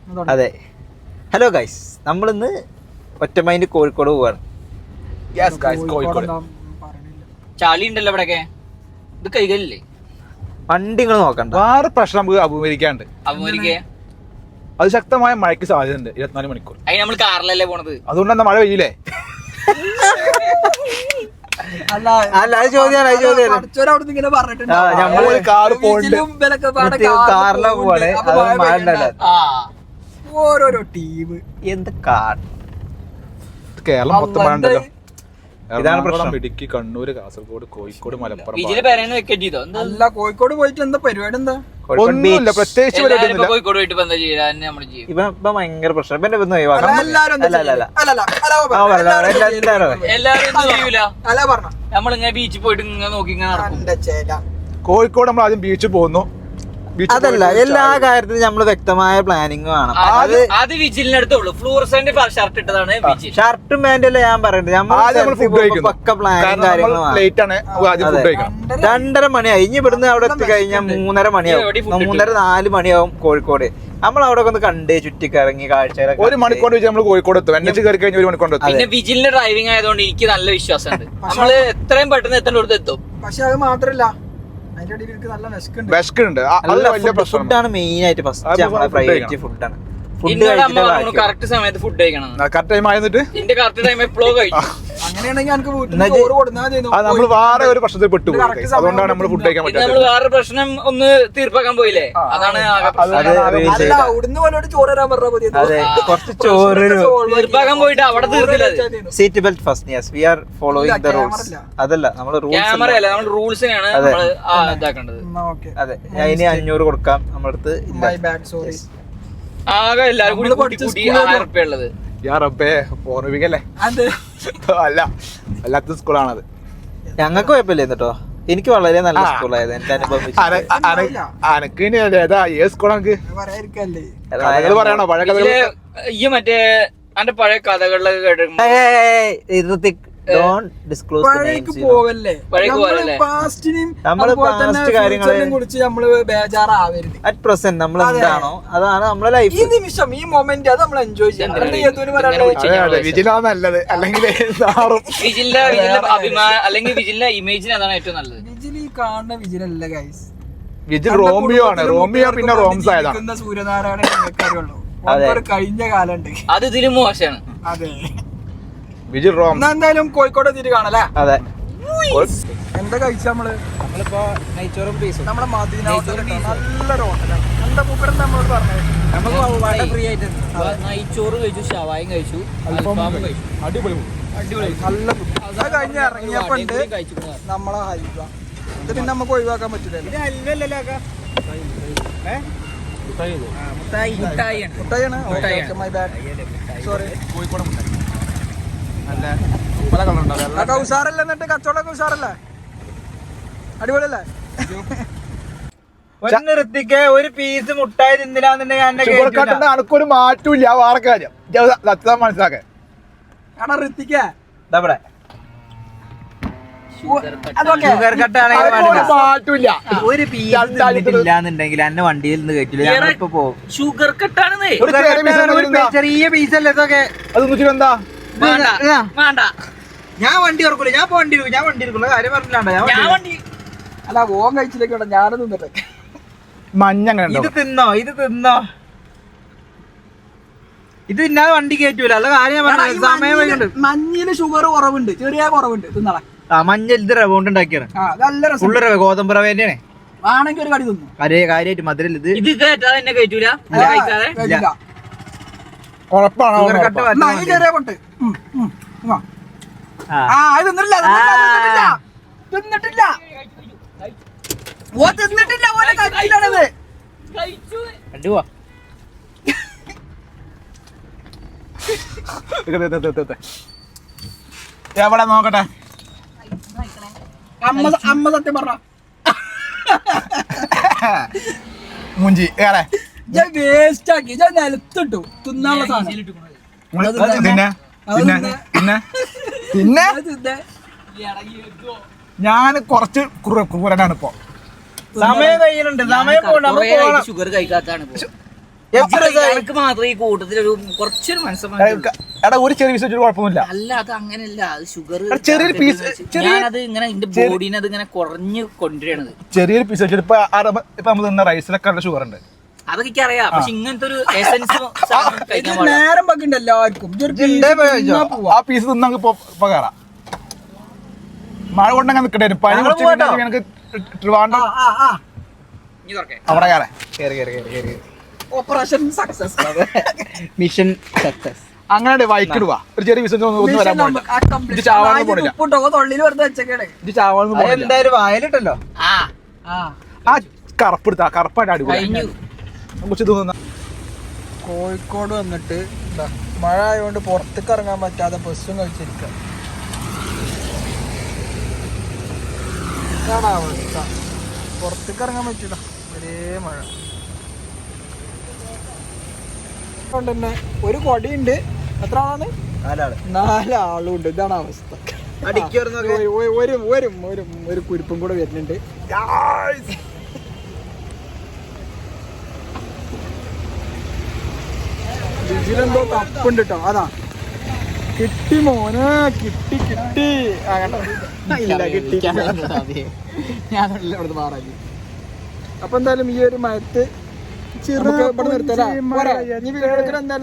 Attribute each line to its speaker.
Speaker 1: അതെ. Hello guys, നമ്മളിന്ന് ഒറ്റമൈൻഡ് കോഴിക്കോട് പോവാണ്.
Speaker 2: ചളി ഉണ്ടല്ലോ ഇവിടെയൊക്കെ, ഇത് കൈകളില്ലേ?
Speaker 1: വണ്ടി നിങ്ങൾ നോക്കണ്ട.
Speaker 3: വേറെ പ്രശ്നം നമുക്ക് അഭിമുഖീകരിക്കാണ്ട്. അത് ശക്തമായ മഴയ്ക്ക് സാധ്യതയുണ്ട് 24 മണിക്കൂർ.
Speaker 2: അതിന് നമ്മൾ കാറിലല്ലേ പോണത്,
Speaker 3: അതുകൊണ്ട് എന്താ മഴ പെയ്യില്ലേ?
Speaker 1: കാറിലാ പോവാണ്.
Speaker 4: ഓരോരോ ടീം
Speaker 1: എന്ത് കാട്.
Speaker 3: കേരളം മൊത്തം മഴ ഉണ്ടല്ലോ. എറണാകുളം, ഇടുക്കി, കണ്ണൂർ, കാസർഗോഡ്, കോഴിക്കോട്, മലപ്പുറം.
Speaker 4: അല്ല, കോഴിക്കോട് പോയിട്ട് എന്താ പരിപാടി? എന്താ
Speaker 3: ഒന്നുമില്ല, പ്രത്യേകിച്ച് പരിപാടി.
Speaker 2: കോഴിക്കോട് പോയിട്ട്
Speaker 1: ഇപ്പൊ ഭയങ്കര പ്രശ്നം.
Speaker 2: നമ്മളിങ്ങനെ ബീച്ചിൽ പോയിട്ട് ഇങ്ങനെ നോക്കി ഇങ്ങനെ നടക്കും.
Speaker 3: കോഴിക്കോട് നമ്മൾ ആദ്യം ബീച്ചിൽ പോകുന്നു.
Speaker 1: അതല്ല, എല്ലാ കാര്യത്തിലും നമ്മള് വ്യക്തമായ പ്ലാനിങ് വേണം.
Speaker 2: അത് വിജിലിന്റെ അടുത്തുള്ളൂ. ഫ്ലൂറസെന്റ് ഷർട്ട് ഇട്ടതാണ് വിജിൽ.
Speaker 1: ഷർട്ടും പാന്റും അല്ല ഞാൻ പറയുന്നത്. പക്ക പ്ലാനും കാര്യങ്ങളും. 2:30 മണിയായി. ഇനി ഇവിടുന്ന് അവിടെ എത്തി കഴിഞ്ഞാൽ 3:30 മണിയാവും. 3:30-4 മണിയാവും കോഴിക്കോട്. നമ്മൾ അവിടെ ഒന്ന് കണ്ടേ ചുറ്റിക്കറങ്ങി കാഴ്ചകളൊക്കെ.
Speaker 3: 1 മണിക്കൂർ നമ്മൾ കോഴിക്കോട് എത്തും. എന്നെ കയറി കഴിഞ്ഞ 1 മണിക്കൂർ എത്തും.
Speaker 2: പിന്നെ വിജിലിന്റെ ഡ്രൈവിംഗ് ആയതുകൊണ്ട് എനിക്ക് നല്ല വിശ്വാസമുണ്ട്. നമ്മള് എത്രയും പെട്ടെന്ന് എത്തേണ്ടടുത്ത് എത്തും.
Speaker 4: പക്ഷെ അത് മാത്രല്ല,
Speaker 1: ഫുഡാണ് മെയിൻ ആയിട്ട്. ഫസ്റ്റ് പ്രൈവറ്റ് ഫുഡാണ്.
Speaker 2: കറക്റ്റ് സമയത്ത് ഫുഡ് കഴിക്കണം.
Speaker 3: കറക്റ്റ് ടൈം ആയിട്ട്
Speaker 2: എന്റെ കറക്റ്റ് ടൈം എപ്പോഴോ കഴിക്കും.
Speaker 4: അങ്ങനെയാണെങ്കിൽ
Speaker 3: നമ്മൾ വേറെ ഒരു പ്രശ്നത്തിൽ പെട്ടു. അതുകൊണ്ടാണ് നമ്മൾ ഫുഡ് കഴിക്കാൻ പറ്റുന്നത്.
Speaker 2: നമ്മൾ വേറെ പ്രശ്നം ഒന്ന് തീർപ്പാക്കാൻ പോയില്ലേ, അതാണ്
Speaker 1: കുറച്ച് ചോറ്
Speaker 2: തീർപ്പാക്കാൻ പോയിട്ട് അവിടെ തീർത്തില്ല.
Speaker 1: Seat belt first. Yes, we are following the rules. അതല്ല, നമ്മൾ
Speaker 2: ക്യാമറ അല്ല, നമ്മൾ റൂൾസിനെയാണ് ഇതാക്കേണ്ടത്.
Speaker 1: അതെ, അതിന് 500 കൊടുക്കാം. നമ്മുടെ അടുത്ത് ഇല്ല.
Speaker 2: ആകെ എല്ലാരും കൂടി കൂട്ടി 1000 റുപ്യ ഉള്ളത്.
Speaker 3: അല്ല, അല്ലാത്ത സ്കൂളാണത്.
Speaker 1: ഞങ്ങൾക്ക് കുഴപ്പമില്ല കേട്ടോ. എനിക്ക് വളരെ നല്ല സ്കൂളായത് എന്റെ അനുഭവം.
Speaker 3: അനക്ക് ഏതാ ഏത് സ്കൂളാണ് പറയണോ? പഴയ കഥ
Speaker 2: ഈ മറ്റേ അന്റെ പഴയ കഥകളിലൊക്കെ കേട്ടിട്ടുണ്ട്.
Speaker 1: അറ്റ് പ്രസന്റ് നമ്മൾ എന്താണോ അതാണ് നമ്മളെ ലൈഫ്.
Speaker 4: ഈ നിമിഷം, ഈ മൊമെന്റ് അത് നമ്മൾ എൻജോയ് ചെയ്യാം.
Speaker 3: നല്ലത്. അല്ലെങ്കിൽ
Speaker 2: വിജിലിന്റെ അഭിമാനം അല്ലെങ്കിൽ വിജിലിന്റെ ഇമേജിന് അതാണ് ഏറ്റവും നല്ലത്.
Speaker 4: വിജിൽ ഈ കാണുന്ന വിജിലല്ല ഗൈസ്.
Speaker 3: വിജിൽ റോമിയോ ആണ്. റോമിയോ പിന്നെ റോംസ് ആയതാണ്.
Speaker 4: സൂര്യനാരായണ കഴിഞ്ഞ കാലുണ്ട്.
Speaker 2: അത് ഇതിലും മോശമാണ്.
Speaker 4: അതെ,
Speaker 3: വിജിൽ റോം.
Speaker 4: എന്തായാലും കോഴിക്കോട് എത്തിയിട്ട് കാണല്ലേ.
Speaker 1: അതെ.
Speaker 4: എന്താ കഴിച്ച
Speaker 1: നമ്മളിപ്പോ നെയ്ച്ചോറും പീസും.
Speaker 4: നമ്മളെ മദീന നല്ലൊരു ഹോട്ടലാണ്. എന്താ മൂപ്പരം നമ്മളോട് പറഞ്ഞത്?
Speaker 1: ഫ്രീ ആയിട്ട്
Speaker 2: നെയ്ച്ചോറ് കഴിച്ചു, ഷവായും കഴിച്ചു, അൽഫാമും കഴിച്ചു.
Speaker 3: അടിപൊളി
Speaker 4: നല്ല ഫുഡ്. അത് കഴിഞ്ഞ് ഇറങ്ങിയപ്പോ ഉണ്ട് നമ്മളെ ഹൽവ. ഇത് പിന്നെ നമുക്ക് ഒഴിവാക്കാൻ പറ്റില്ലല്ലോ. മുട്ടായിയാണ്. My bad, sorry.
Speaker 3: കോഴിക്കോട് മുട്ടായി നല്ല പല കളറുണ്ടാവും.
Speaker 4: ഉഷാറല്ലേ? എന്നിട്ട് കച്ചവടമൊക്കെ ഉഷാറല്ലേ? അടിപൊളിയല്ലേ?
Speaker 1: ഒരു പീസ് മുട്ടായി തിന്നില്ലാന്നുണ്ടെങ്കിൽ
Speaker 3: അനക്കൊരു മാറ്റമില്ല. വേറെ കാര്യം സത്യത മനസ്സിലാക്കാൻ
Speaker 4: ഋത്തിക്ക
Speaker 1: ഷുഗർ കട്ടാണെങ്കിൽ
Speaker 4: ഒരു
Speaker 1: പീസില്ലാന്നുണ്ടെങ്കിൽ എന്നെ വണ്ടിയിൽ നിന്ന് കയറ്റില്ല. ഞങ്ങളിപ്പോ പോകും.
Speaker 2: ഷുഗർ കട്ടാണ്.
Speaker 1: ചെറിയ പീസല്ലേ ഇതൊക്കെ.
Speaker 3: അത് എന്താ
Speaker 2: വേണ്ട,
Speaker 1: ഞാൻ വണ്ടി ഓർക്കൂല. ഞാൻ വണ്ടി എടുക്കുള്ള കാര്യം പറഞ്ഞില്ലാണ്ട.
Speaker 4: അല്ല, ഓൻ കഴിച്ചില്ലേക്കോട്ടെ, ഞാനും തിന്നിട്ടെ.
Speaker 3: മഞ്ഞ
Speaker 1: ഇത് തിന്നോ ഇത് തിന്നാതെ വണ്ടി കയറ്റൂല. അല്ല കാര്യം സമയം വൈകുണ്ട്.
Speaker 4: മഞ്ഞില് ഷുഗർ കുറവുണ്ട്, ചെറിയ കുറവുണ്ട്. തിന്നളെ.
Speaker 1: മഞ്ഞ ഇത് റവ കൊണ്ട് ഉണ്ടാക്കിയാണ്. ഫുള്ള് റവ, ഗോതമ്പ് റവ തന്നെയാണ്.
Speaker 4: ആണെങ്കിൽ ഒരു കടി തിന്നു.
Speaker 1: കാര്യമായിട്ട് മധുരം ഇത്
Speaker 2: കേട്ടാതെ തന്നെ കഴിച്ചൂല.
Speaker 4: ചെറിയ പൊട്ട്. തിന്നിട്ടില്ല.
Speaker 3: എവിടെ നോക്കട്ടെ.
Speaker 4: അമ്മ സത്യം പറഞ്ഞ
Speaker 3: മുഞ്ചി ഏറെ
Speaker 4: വേസ്റ്റ് ആക്കി നിലത്തിട്ടു തിന്നാനുള്ള സാധനം.
Speaker 3: പിന്നെ ഞാൻ കുറച്ച് ക്രൂരനാണ് ഇപ്പൊ.
Speaker 1: സമയം കഴിയുന്നുണ്ട്. സമയം
Speaker 2: ഷുഗർ കഴിക്കാത്താണ്. എനിക്ക് മാത്രം ഈ കൂട്ടത്തിൽ ഒരു കുറച്ചൊരു മനസ്സിലാക്കി
Speaker 3: എടാ ഒരു ചെറിയ പീസ് വെച്ചിട്ട് കുഴപ്പമൊന്നുമില്ല.
Speaker 2: അല്ല അത് അങ്ങനെയല്ല, അത് ഷുഗർ
Speaker 3: ചെറിയൊരു പീസ്
Speaker 2: ഞാനത് ഇങ്ങനെ എന്റെ ബോഡീനെ അത് ഇങ്ങനെ കുറഞ്ഞു കൊണ്ടുവരണത്.
Speaker 3: ചെറിയൊരു പീസ് വെച്ചിട്ട് ഇപ്പൊ നമ്മൾ തിന്ന റൈസിലൊക്കെ ഉള്ള ഷുഗർ ഉണ്ട്.
Speaker 2: അതൊക്കെ എനിക്കറിയാം. പക്ഷെ ഇങ്ങനത്തെ ഒരു എസൻസ്
Speaker 4: നേരം വെക്കണ്ട എല്ലാവർക്കും.
Speaker 3: ആ പീസ് തിന്ന ഇപ്പൊ കയറാം. മഴ കൊണ്ടങ്ങനെ നിക്കട്ടെ. പനി കുറച്ച് ട്രിവാൻഡ്രം അവിടെ കയറാം.
Speaker 4: Operation success,
Speaker 1: mission success.
Speaker 3: അങ്ങനെ വൈക്കിടുവാ. ഒരു ചെറിയ പീസ് ഒന്നും വരാൻ പോണില്ല. ഇത് ചാവാനൊന്നും പോണില്ല.
Speaker 4: തൊള്ളിൽ വെറുതെ വെച്ചേക്കണേ.
Speaker 3: ഇത് ചാവാനൊന്നും പോണില്ല.
Speaker 1: എന്തായാലും വായിലിട്ടല്ലോ.
Speaker 3: ആ കറുപ്പെടുത്ത കറുപ്പായിട്ട് അടിപൊളി കുറച്ച് തോന്നുന്ന.
Speaker 4: കോഴിക്കോട് വന്നിട്ട് മഴ ആയതുകൊണ്ട് പുറത്തേക്ക് ഇറങ്ങാൻ പറ്റാതെ ബസ്സും കഴിച്ചിരിക്കുക. ഇതാണ് അവസ്ഥ. പുറത്തേക്ക് ഇറങ്ങാൻ പറ്റില്ല, ഒരേ മഴ. അതുകൊണ്ട് തന്നെ ഒരു കൊടിയുണ്ട്. എത്ര ആളാണ്? 4 ആളുണ്ട്. ഇതാണ് അവസ്ഥ. ഒരു കുരിപ്പും കൂടെ വരുന്നുണ്ട്. ഇതിലെന്തോ തപ്പുണ്ട് കേട്ടോ. അതാ കിട്ടി മോനെ, കിട്ടി. അപ്പൊ എന്തായാലും ഈ ഒരു മയത്ത് ചെറു ഇവിടെ നിർത്തല. ഇനി വീട് എടുക്കണ എന്തായാലും